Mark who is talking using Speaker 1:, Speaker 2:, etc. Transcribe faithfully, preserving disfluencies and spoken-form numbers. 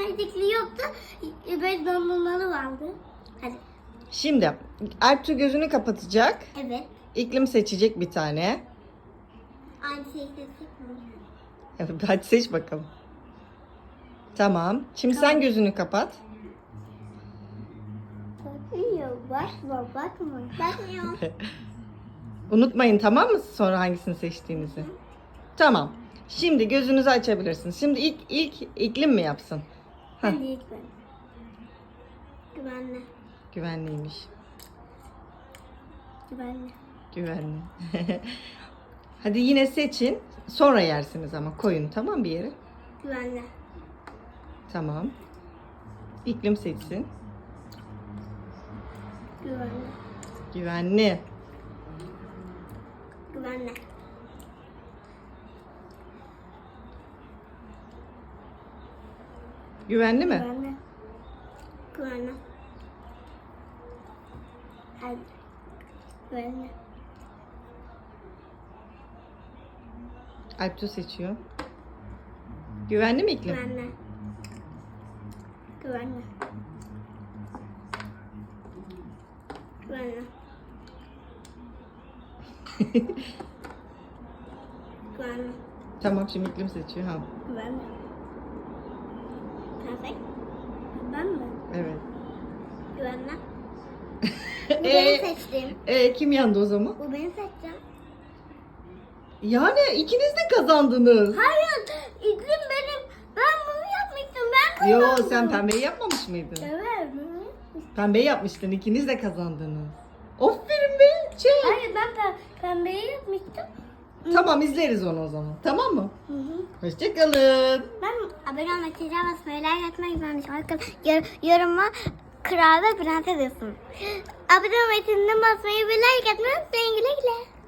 Speaker 1: ayazlıklı yoktu. Böyle dondurmalı vardı. Hadi.
Speaker 2: Şimdi Alptu gözünü kapatacak.
Speaker 1: Evet.
Speaker 2: İklim seçecek bir tane.
Speaker 1: Aynı şeyi seçtik mi?
Speaker 2: Evet, hadi seç bakalım. Tamam. Şimdi sen gözünü kapat.
Speaker 1: Bakmıyor. Bakma. Bakma. Bakmıyor.
Speaker 2: Unutmayın, tamam mı, sonra hangisini seçtiğinizi? Tamam. Şimdi gözünüzü açabilirsiniz. Şimdi ilk ilk iklim mi yapsın? Heh,
Speaker 1: Hadi ilk ben. Güvenli.
Speaker 2: güvenliymiş.
Speaker 1: Güvenli.
Speaker 2: Güvenli. Hadi yine seçin. Sonra yersiniz ama koyun, tamam, bir yere.
Speaker 1: Güvenli.
Speaker 2: Tamam. İklim seçsin.
Speaker 1: Güvenli.
Speaker 2: Güvenli.
Speaker 1: Güvenli.
Speaker 2: Güvenli mi?
Speaker 1: Güvenli. Güvenli. Hadi. Güvenli.
Speaker 2: Alptu seçiyor. Güvenli mi iklim?
Speaker 1: Güvenli. Güvenli. Güvenli. Güvenli.
Speaker 2: Tamam, şimdi iklim seçiyor. Ha.
Speaker 1: Güvenli. Perfect. Ben mi?
Speaker 2: Evet.
Speaker 1: Güvenli. Bu benim
Speaker 2: Ee,
Speaker 1: seçtiğim.
Speaker 2: e, kim yandı o zaman?
Speaker 1: Bu benim seçeceğim.
Speaker 2: Yani ikiniz de kazandınız.
Speaker 1: Hayır. İklim benim. Ben bunu yapmıştım. Ben kazandım.
Speaker 2: Yo, sen pembeyi yapmamış mıydın?
Speaker 1: Evet.
Speaker 2: Pembeyi yapmıştın, ikiniz de kazandınız. Aferin be. Şey.
Speaker 1: Hayır ben pe pembeyi yapmıştım.
Speaker 2: Tamam, izleriz onu o zaman. Tamam mı?
Speaker 1: Hı hı.
Speaker 2: Hoşçakalın.
Speaker 1: Ben abone olmak, çiçeğe basmayı, like atmayı unutmayın. Arkadaşlar yoruma kral ve prenses yazın. Abone olmayı, çiçeğe basmayı ve like atmayı unutmayın. Güle güle.